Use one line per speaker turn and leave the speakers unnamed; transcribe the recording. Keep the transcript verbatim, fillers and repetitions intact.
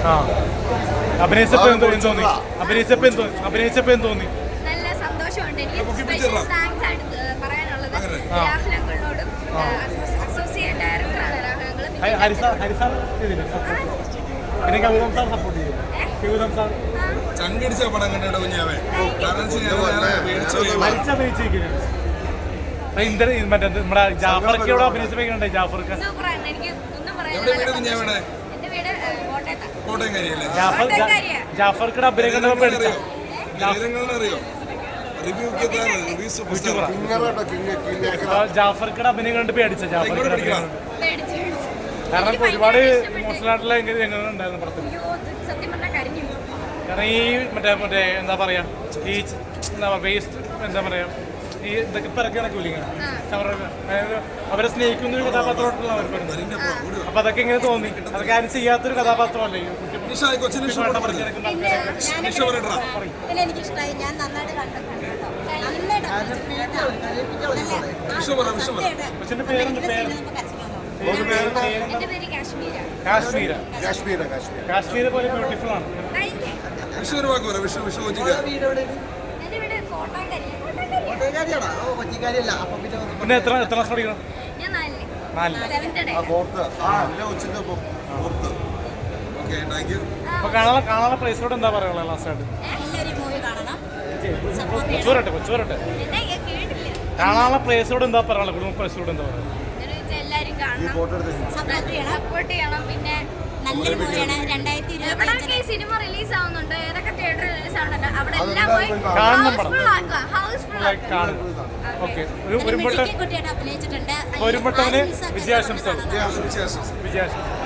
അഭിനയിച്ചപ്പോ എന്തോ തോന്നി അഭിനയിച്ചപ്പോ എന്തോ അഭിനയിച്ചപ്പോ എന്ത് തോന്നി?
നല്ല സന്തോഷമുണ്ട്. എനിക്ക് സ്പെഷ്യൽ താങ്ക്സ് ആയിട്ട് പറയാനുള്ളത് രാഹുൽ അങ്കിളിനോടും അസോസിയേറ്റ് ഡയറക്ടറാണ് രാഹുൽ അങ്കിൾ.
ചങ്കടിച്ച പടം കണ്ടോ കുഞ്ഞാവേ?
മറ്റേ നമ്മുടെ ജാഫർക്ക് ഇവിടെ അഭിനയിച്ചപ്പോഴേ ജാഫർക്ക്
സൂപ്പറാണ്. എനിക്ക് ഒന്നും പറയാനില്ല. എന്റെ വീട് കോട്ടയത്താ.
ജാഫർ ജാഫർക്കിടെ അഭിനയം കണ്ടപ്പോ പേടിച്ചോ? ജാഫർക്കിടെ അഭിനയം കണ്ട് പേടിച്ച ജാഫർക്കിടെ അഭിനയം കാരണം ഒരുപാട് ഇമോഷണൽ ആയിട്ടുള്ള രംഗങ്ങൾ ഉണ്ടായിരുന്നു പടത്തിൽ. കാരണം ഈ മറ്റേ മറ്റേ എന്താ പറയാ ഈ എന്താ പറയാ വേസ്റ്റ് എന്താ പറയാ ഈ ഇതൊക്കെ പിറക്കി നടക്കൂലിങ്ങനെ അതായത് അവരെ സ്നേഹിക്കുന്ന ഒരു കഥാപാത്രമായിട്ടുള്ള അവർ പറഞ്ഞു. അപ്പൊ അതൊക്കെ എങ്ങനെ തോന്നി? അതൊക്കെ ആരും ചെയ്യാത്തൊരു കഥാപാത്രമല്ലേ?
എനിക്കിഷ്ടമായി. ഞാൻ നന്നായിട്ട് കണ്ടിട്ടുണ്ട്.
കൊച്ചിന്റെ പേരെന്ത് പേര്?
എന്റെ പേര് കാശ്മീര.
കാശ്മീര
കാശ്മീര കാശ്മീര
കാശ്മീർ പോലെ ബ്യൂട്ടിഫുൾ ആണ്.
എന്റെ വീട് കോട്ടാങ്കരി.
പിന്നെ എത്ര എത്ര ക്ലാസ് പഠിക്കണം?
ഞാൻ നാലില്.
നാലില്.
Seventh day.
അപ്പൊ കാണാനുള്ള കാണാനുള്ള പ്ലേസിലോട്ട് എന്താ പറയാനുള്ളത് ലാസ്റ്റ് ആയിട്ട്?
എല്ലാവരും മൂവി കാണണം.
കൊച്ചുവരട്ടെ കൊച്ചുവരട്ടെ
എന്നെ കേട്ടില്ല.
കാണാനുള്ള പ്ലേസിലോട് എന്താ പറയാനുള്ളത്? കുടുംബ പ്ലേസിലോട് എന്താ പറയുക?
എല്ലാവരും കാണണം, സപ്പോർട്ട് ചെയ്യണം. പിന്നെ നല്ലൊരു മൂവിയാണ്. രണ്ടായിരത്തി ഇരുപത്തി സിനിമ റിലീസ് ആവുന്നുണ്ട്. ഏതൊക്കെ തിയേറ്ററിൽ റിലീസ് ആവുന്നുണ്ട് അവിടെ എല്ലാം പോയി ഹൗസ്ഫുൾ ആക്കുക. House full
okay.
കുട്ടിയായിട്ട് അഭിനയിച്ചിട്ടുണ്ട്.
ഒരുമ്പട്ടവന് വിജയാശംസകൾ. വിജയാശംസ.